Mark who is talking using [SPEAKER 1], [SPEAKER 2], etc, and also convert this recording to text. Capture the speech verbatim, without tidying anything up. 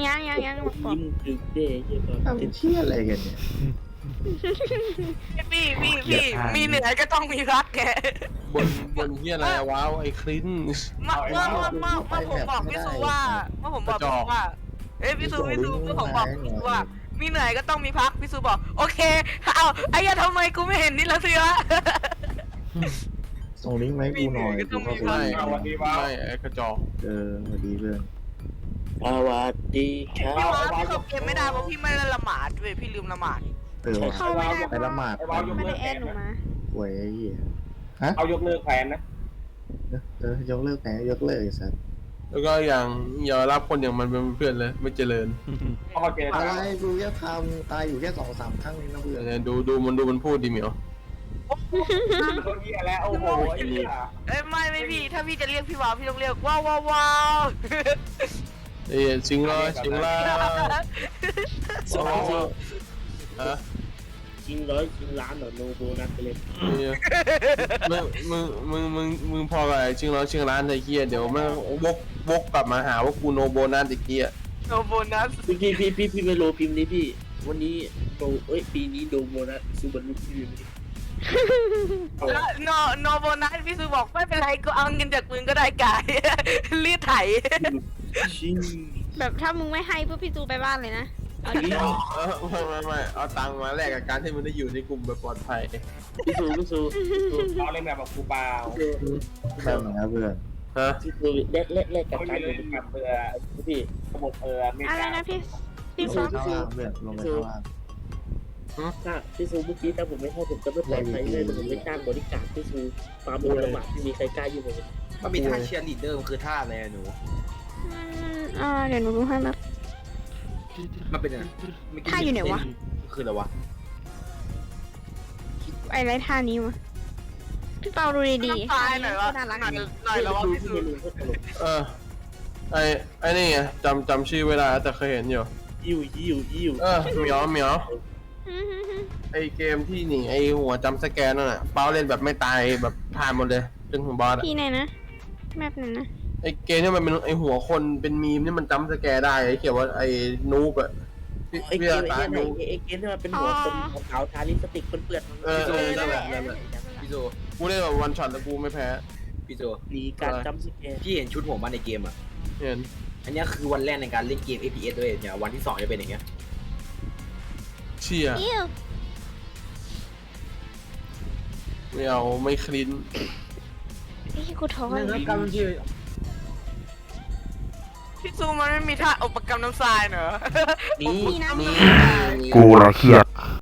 [SPEAKER 1] ยังยังยังบอก
[SPEAKER 2] ยิ้มตึกเด้เหี้ย
[SPEAKER 3] ทำเชี่ยอะไรกันเนี่ย
[SPEAKER 4] พี่พี่พี่มีเหนือก็ต้องมีรักแก
[SPEAKER 5] บนบนเฮียอะไรว้าวไอ้คลิน
[SPEAKER 4] เมื่อเมื่อเมื่อเมื่อเมื่อผมบอกพี่ซูว่าเมื่อผมบอกพี่ซูว่าเอ้ยพี่ซูพี่ซูเมื่อผมบอกพี่ซูว่ามีเหนื่อยก็ต้องมีพักพี่ซูบอกโอเคเอาไอ้ยาทำไมกูไม่เห็นนี่ละสิวะ
[SPEAKER 3] ส่งลิงก์มาให้กูหน่อยกูเข้าไป
[SPEAKER 5] ไม่ไม่ไอ้กระจอก
[SPEAKER 3] เออสวัสดีเพื่อน
[SPEAKER 2] สวัสดีครั
[SPEAKER 4] พี่
[SPEAKER 2] บ
[SPEAKER 4] ว่าพี่เข้าเกมไม่ได้เพราะพี่ไม่ได้ละหมาดเว้ยพี่ลืมละหมาด
[SPEAKER 3] เออว่ะ
[SPEAKER 1] เข้าไม่ได้
[SPEAKER 3] ไปละหมาด
[SPEAKER 1] ไม่ได้แอดหนูมา
[SPEAKER 3] ป่วยไอ้เหี้ย
[SPEAKER 6] เอายกเลิกแผนนะ
[SPEAKER 3] เออยกเลิกแผลยกเลิกไอ้สัส
[SPEAKER 5] แล้วก็อย่างอย่ารับคนอย่างมันเป็นเพื่อนเลยไม่เจริญ
[SPEAKER 6] เพราะเขาเจอ
[SPEAKER 3] อะไรกูแค่ทำตายอยู่แค่สองสามครั้งเองนะเพื่อน
[SPEAKER 5] เนี่ยดูดูมันดูมันพูดดีเหมียว
[SPEAKER 6] คนเหี้ยแล้วโอ้โหไอ้เหี้ย
[SPEAKER 4] เอ้ยไม่ไม่พี่ถ้าพี่จะเรียกพี่วาวพี่ต้องเรียกว้าวว้าวว้าว
[SPEAKER 5] เอ้ยจริงเหรอจริงเหรอ
[SPEAKER 2] สอง
[SPEAKER 5] ฮะ
[SPEAKER 2] ชิงร้อยชิงล้านเหรอโนโบนัสไปเลย
[SPEAKER 5] มึงมึงมึงมึงมึงพอกับจริงเหรอจริงร้านไอ้เหี้ยเดี๋ยวมันวกวกกลับมาหาว่ากูโนโบนัสไอ้เหี้ย
[SPEAKER 4] โนโบนัส
[SPEAKER 2] พี่พี่พี่พี่พี่ไปโลพิมพ์นี้พี่วันนี้โนเอ้ยปีนี้โนโบนัสซูบันลุพี่พิมพ์นี้
[SPEAKER 4] โนโนโบนัสพี่ซูบอกไม่เป็นไรกูเอาเงินจากมึงก็ได้กาย รีดไถ
[SPEAKER 2] ชิง
[SPEAKER 1] แบบถ้ามึงไม่ให้พวกพี่จูไปบ้านเลยนะเอาดิ
[SPEAKER 5] เออไม่ไม่ไม่เอาตังค์มาแลกกับการที่มึงได้อยู่ในกลุ่มแบบปลอดภัย
[SPEAKER 2] พี่ซูพี่ซู
[SPEAKER 6] เอาเล่นแบบแบบกูเปล่า
[SPEAKER 3] แบบไหนครับเพื่อน
[SPEAKER 5] ฮะ
[SPEAKER 2] พี่ซูเล่นเล่นเล่นกับ
[SPEAKER 6] เขา
[SPEAKER 2] การ
[SPEAKER 6] เล่
[SPEAKER 2] อยู่
[SPEAKER 6] น
[SPEAKER 2] ใน
[SPEAKER 6] แบบเรือ
[SPEAKER 2] พี่
[SPEAKER 6] ระบบเรือเม
[SPEAKER 1] อะไร
[SPEAKER 6] กา
[SPEAKER 1] นะพี่พี่
[SPEAKER 3] ล
[SPEAKER 1] ฟอง
[SPEAKER 3] ไปข้างล่างเพื่อนลงไปข้างล่าง
[SPEAKER 2] ถ้าพี่ซูเมื่อกี้ถ้าผมไม่ให้ผมจะไม่ปลอดภัยเลยผมไม่จ้างบริการพี่ซูฟาร์มโดนระบาดไม่มีใครกล้ายุ่งเลย
[SPEAKER 7] มันมีท่าเชียร์ลีดเดอร์มันคือท่าอะไรอะหนู
[SPEAKER 1] อืมอ่าเดี๋ยวหนูดูให้แบบ
[SPEAKER 7] มันเป็นอะไร
[SPEAKER 1] ท่าอยู่ไหนวะ
[SPEAKER 7] คืออะไรวะ
[SPEAKER 1] ไอ้ไรท่านี้วะพี่เปาดูดีๆ
[SPEAKER 4] ตายหน่อยวะ
[SPEAKER 1] น่ารัก
[SPEAKER 4] หน่อยหน่อยแล้ววะพี่ซู
[SPEAKER 5] เออไอ้ไอ้นี่ไงจำจำชื่อเวลาแต่เคยเห็นอยู่
[SPEAKER 2] ยิวยิวยิว
[SPEAKER 5] เออเหมียวเหมียว
[SPEAKER 1] อืมอืมอืม
[SPEAKER 5] ไอ้เกมที่หนีไอ้หัวจำสแกนนั่นน่ะเป้าเล่นแบบไม่ตายแบบผ่านหมดเลยจนถึงบอสอะ
[SPEAKER 1] พี่ไหนนะแมปไหนนะ
[SPEAKER 5] ไอ้เกมที่มันเป็นไอ้หัวคนเป็นมีมที่มันจำสแกนได้ไอ้เขียนว่าไอ้นูบอะพี่
[SPEAKER 2] ไอ้เก
[SPEAKER 5] พี่
[SPEAKER 2] ม
[SPEAKER 5] ตา
[SPEAKER 2] ไอ้
[SPEAKER 5] นู
[SPEAKER 2] ไอ้เกมที่มันเป็นหัวคนขาวทาลิปสติกเปื้อน
[SPEAKER 5] เออเออนั่นแหละนั่นแหละ
[SPEAKER 7] พี่โจ
[SPEAKER 5] กูเล่นแบบวันช็อตแล้วกูไม่แพ้
[SPEAKER 7] พี่โจ
[SPEAKER 2] หนีการจำสแกน
[SPEAKER 7] พี่เห็นชุดผมมาในเกมอ่ะ
[SPEAKER 5] เห็น
[SPEAKER 7] อันเนี้ยคือวันแรกในการเล่นเกม เอ พี เอส ด้วยเนี่ยวันที่สองจะเป็นอย่างเงี้ย
[SPEAKER 5] เชี่ย
[SPEAKER 1] อิ้ว
[SPEAKER 5] ไม่เอาไม่คลิน
[SPEAKER 1] ไอ้กูท้อ
[SPEAKER 7] นั่น
[SPEAKER 1] เล
[SPEAKER 7] นะ
[SPEAKER 1] ย
[SPEAKER 7] กำลังที่
[SPEAKER 4] พี่ซูมันไม่มีท่าอุปกรรมน้ำทรายเหรอ
[SPEAKER 2] นี่
[SPEAKER 1] นี่นะ
[SPEAKER 5] นี่
[SPEAKER 8] กูละเครียด